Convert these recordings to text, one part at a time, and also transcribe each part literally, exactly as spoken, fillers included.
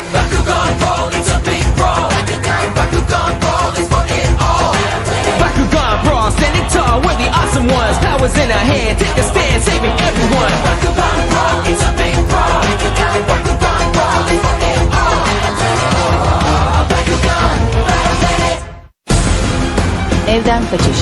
Bakugan Brawl, it's a big brawl. Bakugan Brawl is for it all. Bakugan Brawl, standing tall, we're the awesome ones. Powers in our hand, take a stand, saving everyone. Bakugan Brawl, it's a big brawl. Bakugan Brawl is for it all. Bakugan, battle it. Evden kaçış.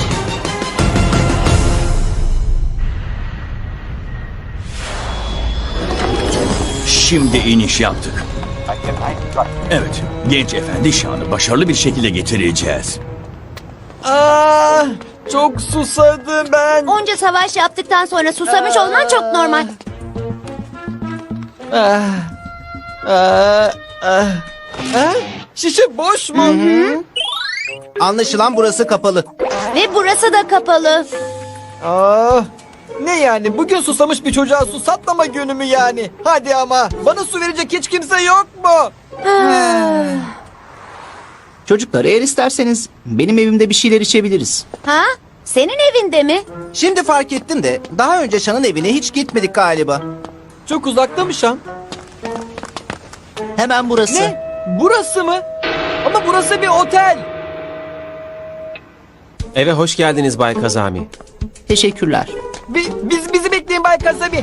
Şimdi iniş yaptık. Evet, genç efendi şanı başarılı bir şekilde getireceğiz. Aa, çok susadım ben. Onca savaş yaptıktan sonra susamış olman çok normal. Ah, ah, ah, ah. Şişe boş mu? Anlaşılan burası kapalı. Ve burası da kapalı. Aa, ne yani? Bugün susamış bir çocuğa su satlama günü mü yani? Hadi ama. Bana su verecek hiç kimse yok mu? Çocuklar eğer isterseniz benim evimde bir şeyler içebiliriz. Ha? Senin evinde mi? Şimdi fark ettim de daha önce Şan'ın evine hiç gitmedik galiba. Çok uzakta mı Şan? Hemen burası. Ne? Burası mı? Ama burası bir otel. Eve hoş geldiniz Bay Kazami. Teşekkürler. Bi- biz bizi bekleyin Bay Kasami.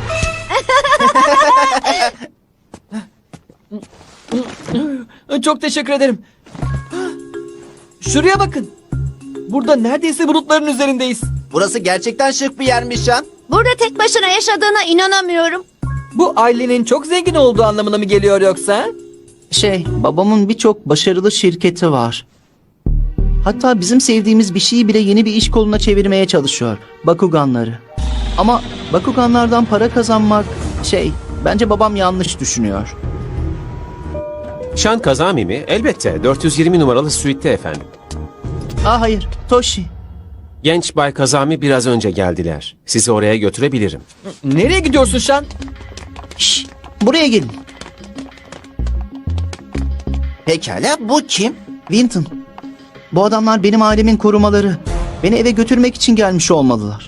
Çok teşekkür ederim. Şuraya bakın. Burada neredeyse bulutların üzerindeyiz. Burası gerçekten şık bir yermiş Şan. Burada tek başına yaşadığına inanamıyorum. Bu ailenin çok zengin olduğu anlamına mı geliyor yoksa? Şey, babamın birçok başarılı şirketi var. Hatta bizim sevdiğimiz bir şeyi bile yeni bir iş koluna çevirmeye çalışıyor. Bakuganları. Ama Bakuganlardan para kazanmak şey, bence babam yanlış düşünüyor. Şan Kazami mi? Elbette. dört yüz yirmi numaralı suite'te efendim. Aa hayır, Toshi. Genç Bay Kazami biraz önce geldiler. Sizi oraya götürebilirim. Nereye gidiyorsun Şan? Şş, buraya gelin. Pekala, bu kim? Winton. Bu adamlar benim ailemin korumaları. Beni eve götürmek için gelmiş olmalılar.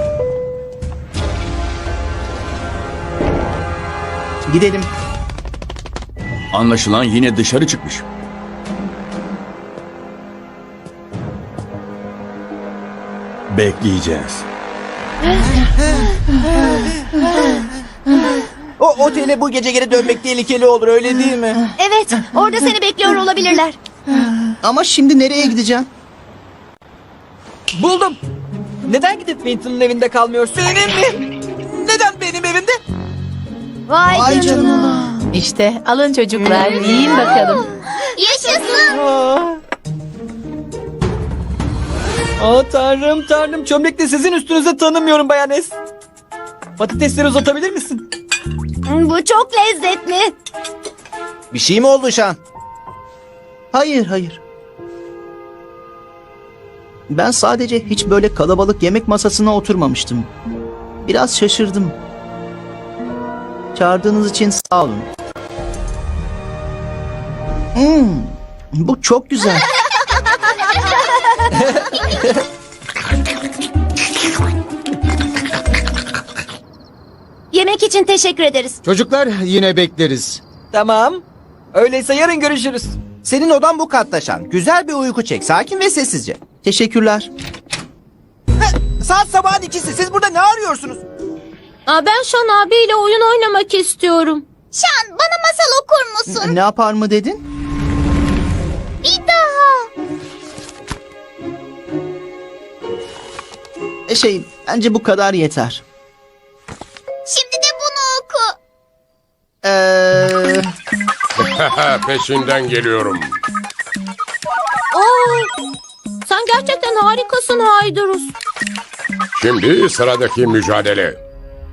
Gidelim. Anlaşılan yine dışarı çıkmış. Bekleyeceğiz. O otele bu gece geri dönmek tehlikeli olur, öyle değil mi? Evet, orada seni bekliyor olabilirler. Ama şimdi nereye gideceğim? Buldum. Neden gidip Winton'un evinde kalmıyorsun? Benim mi? Neden benim evimde? Vay, Vay canına. canına. İşte alın çocuklar, yiyin bakalım. Yaşasın. Aa. Aa tanrım tanrım, çömlekle sizin üstünüze tanımıyorum Bayan Es. Patatesleri uzatabilir misin? Bu çok lezzetli. Bir şey mi oldu Şan? Hayır, hayır. Ben sadece hiç böyle kalabalık yemek masasına oturmamıştım. Biraz şaşırdım. Çağırdığınız için sağ olun. Hmm, bu çok güzel. Yemek için teşekkür ederiz. Çocuklar yine bekleriz. Tamam. Öyleyse yarın görüşürüz. Senin odan bu katta Şan. Güzel bir uyku çek, sakin ve sessizce. Teşekkürler. Saat sabahın ikisi. Siz burada ne arıyorsunuz? Aa, ben Şan abiyle oyun oynamak istiyorum. Şan, bana masal okur musun? Ne yapar mı dedin? Bir daha. E şey, bence bu kadar yeter. Şimdi de bunu oku. Eee... Peşinden geliyorum. Oo, sen gerçekten harikasın Haydurus. Şimdi sıradaki mücadele.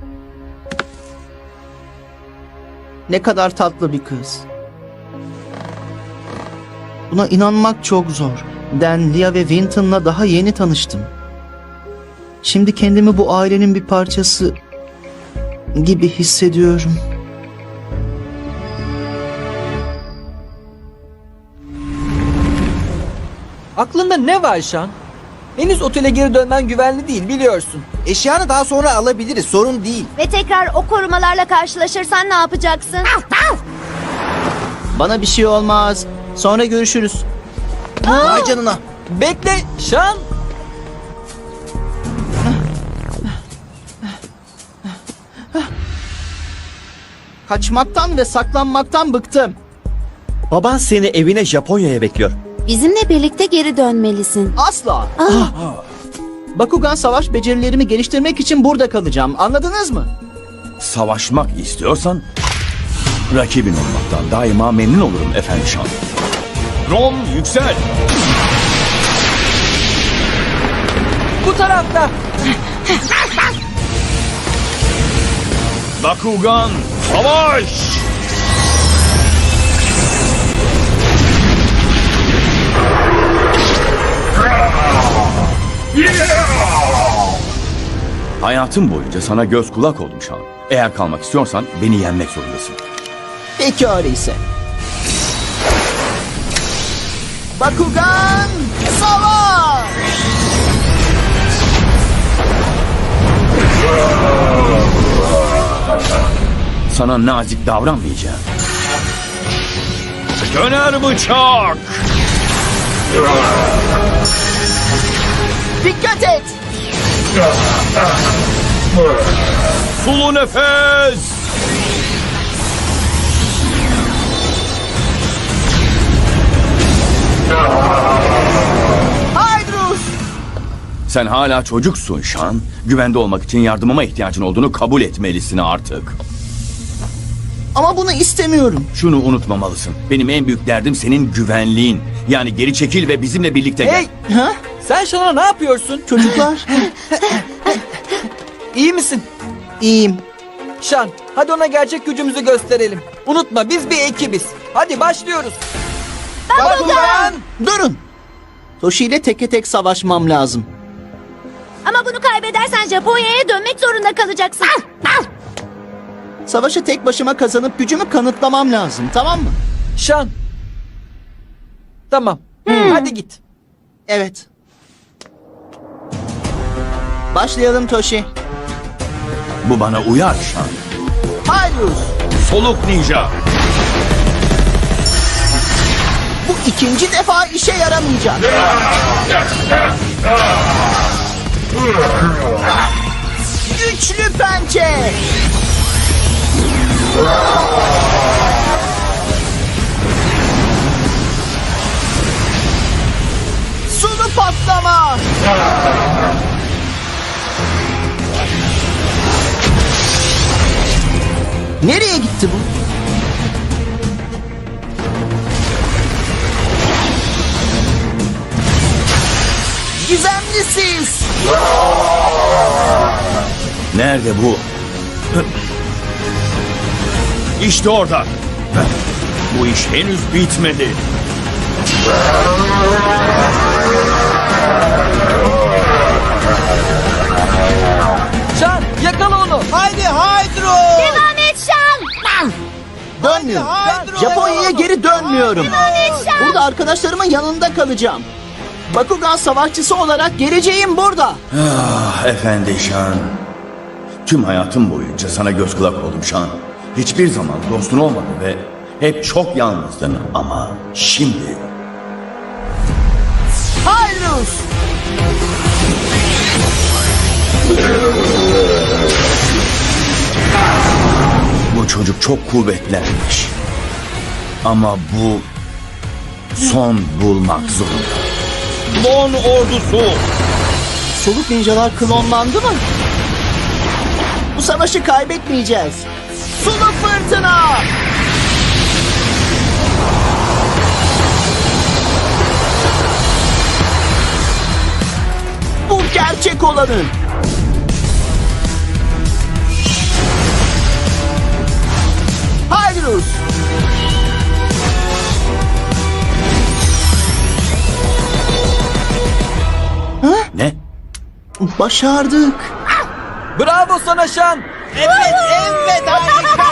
Ne kadar tatlı bir kız. Buna inanmak çok zor. Dan, Lia ve Winton'la daha yeni tanıştım. Şimdi kendimi bu ailenin bir parçası gibi hissediyorum. Aklında ne var Şan? Henüz otele geri dönmen güvenli değil, biliyorsun. Eşyanı daha sonra alabiliriz, sorun değil. Ve tekrar o korumalarla karşılaşırsan ne yapacaksın? Bana bir şey olmaz. Sonra görüşürüz. Vay canına. Bekle Şan. Kaçmaktan ve saklanmaktan bıktım. Baban seni evine Japonya'ya bekliyor. Bizimle birlikte geri dönmelisin. Asla. Bakugan savaş becerilerimi geliştirmek için burada kalacağım. Anladınız mı? Savaşmak istiyorsan rakibin olmaktan daima memnun olurum efendi Şan. Rom yüksel. Bu tarafta. Bakugan savaş. Hayatım boyunca sana göz kulak oldum Şan. Eğer kalmak istiyorsan beni yenmek zorundasın. Peki öyleyse. Bakugan savaş! Sana nazik davranmayacağım. Döner bıçak. Dikkat et! Sulu nefes. Haydrus! Sen hala çocuksun Şan. Güvende olmak için yardımıma ihtiyacın olduğunu kabul etmelisin artık. Ama bunu istemiyorum. Şunu unutmamalısın. Benim en büyük derdim senin güvenliğin. Yani geri çekil ve bizimle birlikte gel. Hey Ha? sen Şan'a ne yapıyorsun? Çocuklar, İyi misin? iyiyim. Şan hadi ona gerçek gücümüzü gösterelim. Unutma biz bir ekibiz. Hadi başlıyoruz. Bakugan! Durun! Toshi ile teke tek savaşmam lazım. Ama bunu kaybedersen Japonya'ya dönmek zorunda kalacaksın. Savaşı tek başıma kazanıp gücümü kanıtlamam lazım, tamam mı? Şan. Tamam. Hadi git. Evet. Başlayalım Toshi. Bu bana uyar Şan. Haydrus! Soluk ninja. Bu ikinci defa işe yaramayacak. Güçlü pençe! Sulu patlama! Nereye gitti bu? Gizemli sis! Nerede bu? İşte orada. Bu iş henüz bitmedi. Şan yakala onu. Haydi Haydro. Devam et Şan. Dönmüyorum. Haydro. Japonya'ya geri dönmüyorum. Burada arkadaşlarımın yanında kalacağım. Bakugan savaşçısı olarak geleceğim burada. Ah efendi Şan. Tüm hayatım boyunca sana göz kulak oldum Şan. Hiçbir zaman dostun olmadı ve hep çok yalnızdın ama şimdi... Hayrus! Bu çocuk çok kuvvetlenmiş. Ama bu son bulmak zorunda. Klon ordusu. Soluk ninjalar klonlandı mı? Bu savaşı kaybetmeyeceğiz. Sulu fırtına! Bu gerçek olanı. Hayrus! Ne? Başardık. Bravo sana Şan. Evet evet harika.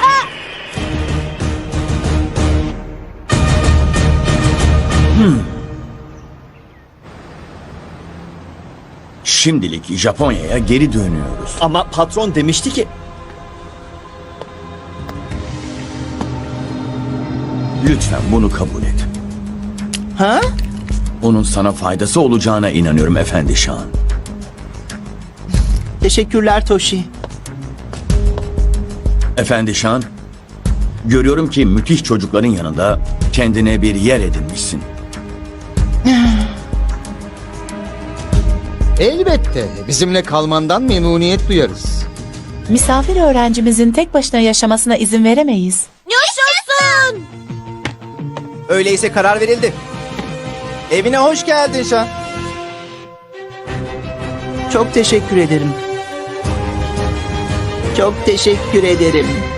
Şimdilik Japonya'ya geri dönüyoruz. Ama patron demişti ki Lütfen bunu kabul et. Ha? Onun sana faydası olacağına inanıyorum Efendi Şan. Teşekkürler Toshi. Efendi Şan, görüyorum ki müthiş çocukların yanında kendine bir yer edinmişsin. Elbette. Bizimle kalmandan memnuniyet duyarız. Misafir öğrencimizin tek başına yaşamasına izin veremeyiz. Yaşasın! Öyleyse karar verildi. Evine hoş geldin Şan. Çok teşekkür ederim. Çok teşekkür ederim.